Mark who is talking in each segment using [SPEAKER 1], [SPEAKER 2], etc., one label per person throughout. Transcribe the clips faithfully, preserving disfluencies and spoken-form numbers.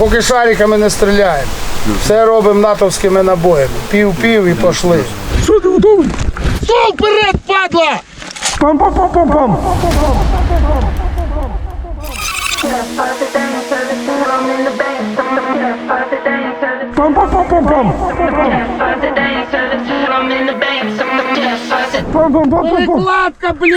[SPEAKER 1] Поки шариками не стріляємо. Все робимо натовськими набоями. Пів-пів і пішли.
[SPEAKER 2] Що ти готовий?
[SPEAKER 1] Стол вперед, падла!
[SPEAKER 2] Пам-пам-пам-пам-пам! Пам-пам-пам-пам-пам! Пам-пам-пам-пам-пам!
[SPEAKER 1] Перекладка, блядь!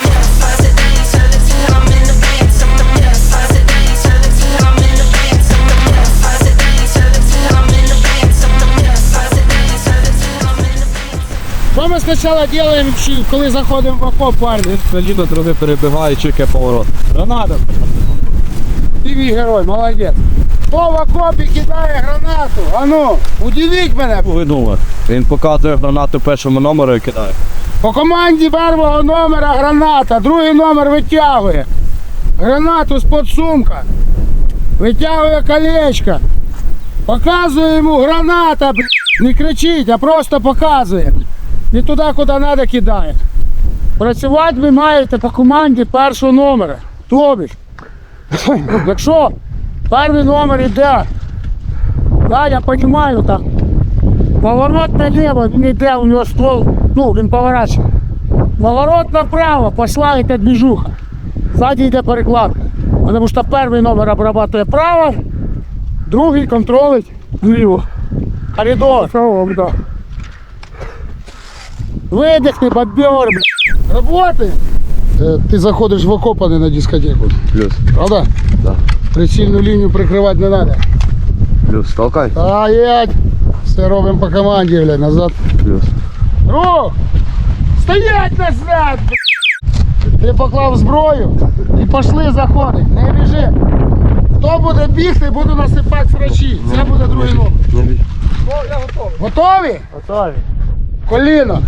[SPEAKER 1] Що ми спочатку робимо, коли заходимо в окоп, парні?
[SPEAKER 3] Літо трохи перебігає, чекає поворот.
[SPEAKER 1] Граната. Ти мій герой, молодець. Хто в окопі кидає гранату? Ану, удивіть мене.
[SPEAKER 3] Ви думаєте? Він показує гранату першому номеру і кидає.
[SPEAKER 1] По команді першого номера граната, другий номер витягує. Гранату з-під сумка. Витягує колечко. Показує йому граната, блядь. Не кричить, а просто показує. І туди, куди треба, кидає. Працювати ви маєте по команді першого номера. Тобі ж. Якщо перший номер йде, да, я розумію, так. Поворот наліво, він йде, у нього ствол, ну, він поворачує. Поворот направо, пішла йде движуха. Ззаді йде перекладка. Тому що перший номер обрабатує право, другий контролить вліво. Коридор.
[SPEAKER 2] Шалом, да.
[SPEAKER 1] Видихни, бобер, блядь. Роботи. Ти заходиш в окоп, а не на дискотеку.
[SPEAKER 3] Плюс.
[SPEAKER 1] Правда?
[SPEAKER 3] Да.
[SPEAKER 1] Прицільну лінію прикривати не треба.
[SPEAKER 3] Плюс. Толкай.
[SPEAKER 1] Стоять! Все робимо по команді, блядь, назад.
[SPEAKER 3] Плюс.
[SPEAKER 1] Рух! Стоять назад! Блядь. Ти поклав зброю і пішли заходить. Не біжи. Хто буде бігти, буду насипати срачі. Це буде другий номер.
[SPEAKER 3] Не бій.
[SPEAKER 1] Готові?
[SPEAKER 2] Готові.
[SPEAKER 1] Коліно.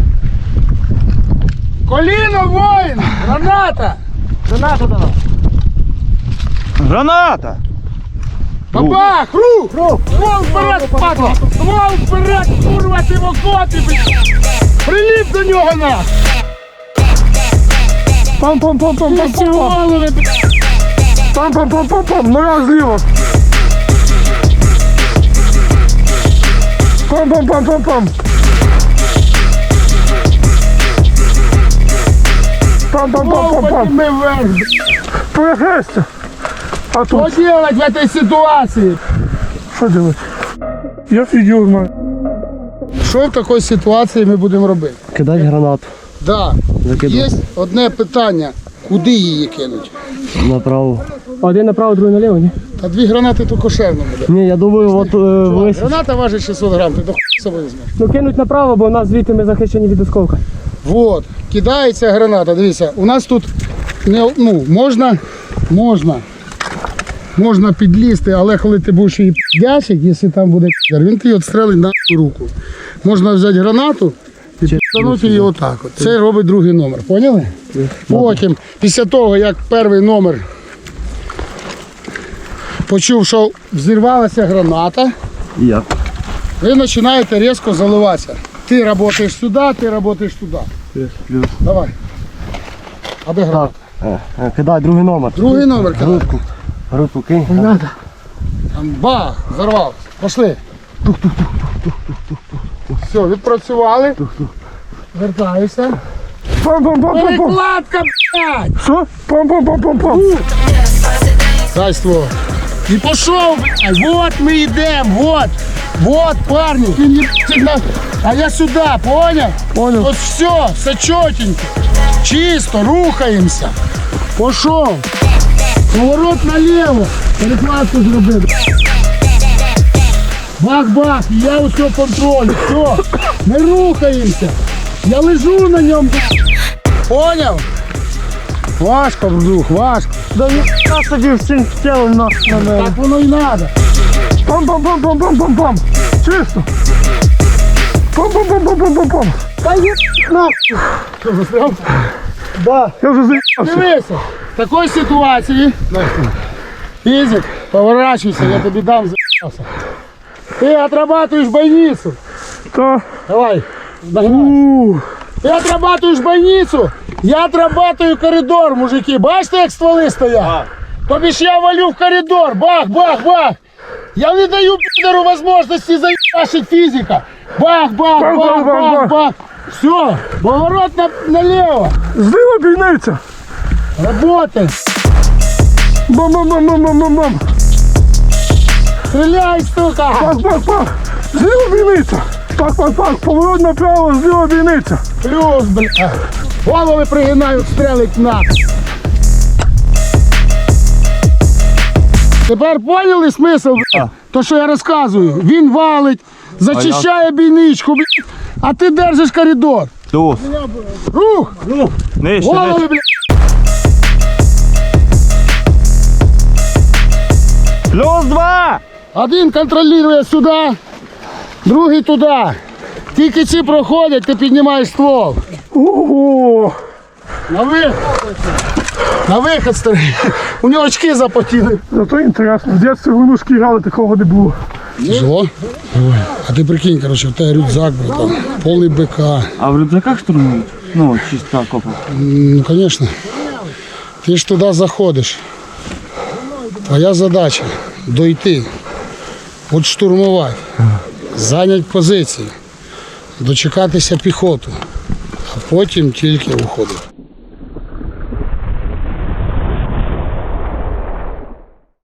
[SPEAKER 1] Коліно, воїн! Граната!
[SPEAKER 2] Граната до нас.
[SPEAKER 3] Граната!
[SPEAKER 1] Бабах! Рух!
[SPEAKER 2] Рух!
[SPEAKER 1] Ствол вперед, падла! Ствол вперед, курва, ти в окопі, блядь! Приліп до нього, на!
[SPEAKER 2] Пам-пам-пам-пам-пам-пам!
[SPEAKER 1] Голови, блядь!
[SPEAKER 2] Пам-пам-пам-пам-пам! Нога зліва! Пам-пам-пам-пам-пам! Пам-пам-пам-пам-пам!
[SPEAKER 1] Подніми вверх, блядь!
[SPEAKER 2] Перехрестя! А
[SPEAKER 1] Що
[SPEAKER 2] тут?
[SPEAKER 1] делать в этой ситуації?
[SPEAKER 2] Що делать? Я фігур знаю.
[SPEAKER 1] Що в такій ситуації ми будемо робити?
[SPEAKER 2] Кидать гранату.
[SPEAKER 1] Да. Є одне питання. Куди її кинуть?
[SPEAKER 2] Направо. Один направо, другий наліво, ні?
[SPEAKER 1] Та дві гранати то кошерно буде.
[SPEAKER 2] Ні, я думаю, от е, весь.
[SPEAKER 1] Граната важить шістсот грам, ти до хуй з собою візьмеш.
[SPEAKER 2] Ну кинуть направо, бо у нас звідти ми захищені від осколка.
[SPEAKER 1] Вот, кидається граната, дивіться, у нас тут не, ну, можна, можна, можна підлізти, але коли ти будеш її п'ячик, якщо там буде п'яр, він тобі відстрелить на руку. Можна взяти гранату і підтягнути її отак от. Це робить другий номер, поняли? Потім, після того, як перший номер почув, що взірвалася граната,
[SPEAKER 3] Я.
[SPEAKER 1] ви починаєте різко заливатися. Ти працюєш сюди, ти працюєш туди.
[SPEAKER 3] Плюс.
[SPEAKER 1] Давай. А де граната?
[SPEAKER 2] Кидай, другий номер.
[SPEAKER 1] Другий номер кидай.
[SPEAKER 2] Грудку. Грудку кинь.
[SPEAKER 1] Там бах, взорвався. Пошли. Все, відпрацювали. Вертаюся.
[SPEAKER 2] Пам-пам-пам-пам-пам!
[SPEAKER 1] Перекладка, блядь!
[SPEAKER 2] Що? Пам-пам-пам-пам-пам!
[SPEAKER 1] Дай ствол. І пішов, блядь. Вот ми йдемо, вот. Вот, парні. Ти не блядь, на... А я сюди, поняв?
[SPEAKER 2] Понял.
[SPEAKER 1] От все, все чотенько. Чисто, рухаємося. Пішов. Поворот наліво. Перекладку зробив. Бах-бах, і я усе контролю. Все, ми рухаємося. Я лежу на ньому. Поняв? Важко, вдруг, важко.
[SPEAKER 2] Да ні, нас тоді всім тілом на, на мене.
[SPEAKER 1] Так воно і треба.
[SPEAKER 2] Пам-пам-пам-пам-пам-пам-пам! Чисто! Пам-пам-пам-пам-пам-пам!
[SPEAKER 1] Та є нахуй. Що, застряв?
[SPEAKER 2] Да, я вже заїбався.
[SPEAKER 1] Дивися, в такій ситуації, фізик, поворачуйся, я тобі дам заїбався. Ти отрабатуєш бойницю.
[SPEAKER 2] Та.
[SPEAKER 1] Давай, нагинай. Ти отрабатуєш бойницю, я отрабатую коридор, мужики. Бачите, як стволи стоять? Тобі ж я валю в коридор, бах, бах, бах. Я не даю підеру можливості заїбашить фізика. Бах, бах,
[SPEAKER 2] Бах,
[SPEAKER 1] бах,
[SPEAKER 2] бах, бах,
[SPEAKER 1] бах, бах. Все, поворот на, налево.
[SPEAKER 2] Зліва бійниця.
[SPEAKER 1] Работай.
[SPEAKER 2] Бам-бам-бам-бам-бам-бам.
[SPEAKER 1] Стреляй, сука.
[SPEAKER 2] Пах, пах, пах. Зліва бійниця. Пах, пах, пах. Поворот направо, зліва бійниця.
[SPEAKER 1] Плюс, бля. Голови пригинають, стрелить на. Тепер поняли смисл, бля? То, що я розказую. Він валить, зачищає бійничку, бля. А ти держиш коридор.
[SPEAKER 3] Тут.
[SPEAKER 1] Рух!
[SPEAKER 3] Нижче,
[SPEAKER 1] Голови,
[SPEAKER 3] нижче.
[SPEAKER 1] бля.
[SPEAKER 3] Плюс два!
[SPEAKER 1] Один контролює сюди, другий туди. Тільки ці проходять, ти піднімаєш ствол.
[SPEAKER 2] Ого.
[SPEAKER 1] На вихід. На вихід, старий. У нього очки запотіли.
[SPEAKER 2] Зато інтересно. В дитинстві в лунушки грали, такого не було.
[SPEAKER 1] Тяжело? Ой. А ти прикинь, короче, в тебе рюкзак, братан, повний БК.
[SPEAKER 3] А в рюкзаках штурмують? Ну, чисто копа.
[SPEAKER 1] Ну, звісно. Ти ж туди заходиш. Твоя задача дойти, от штурмувати, зайняти позиції, дочекатися піхоту, а потім тільки уходити.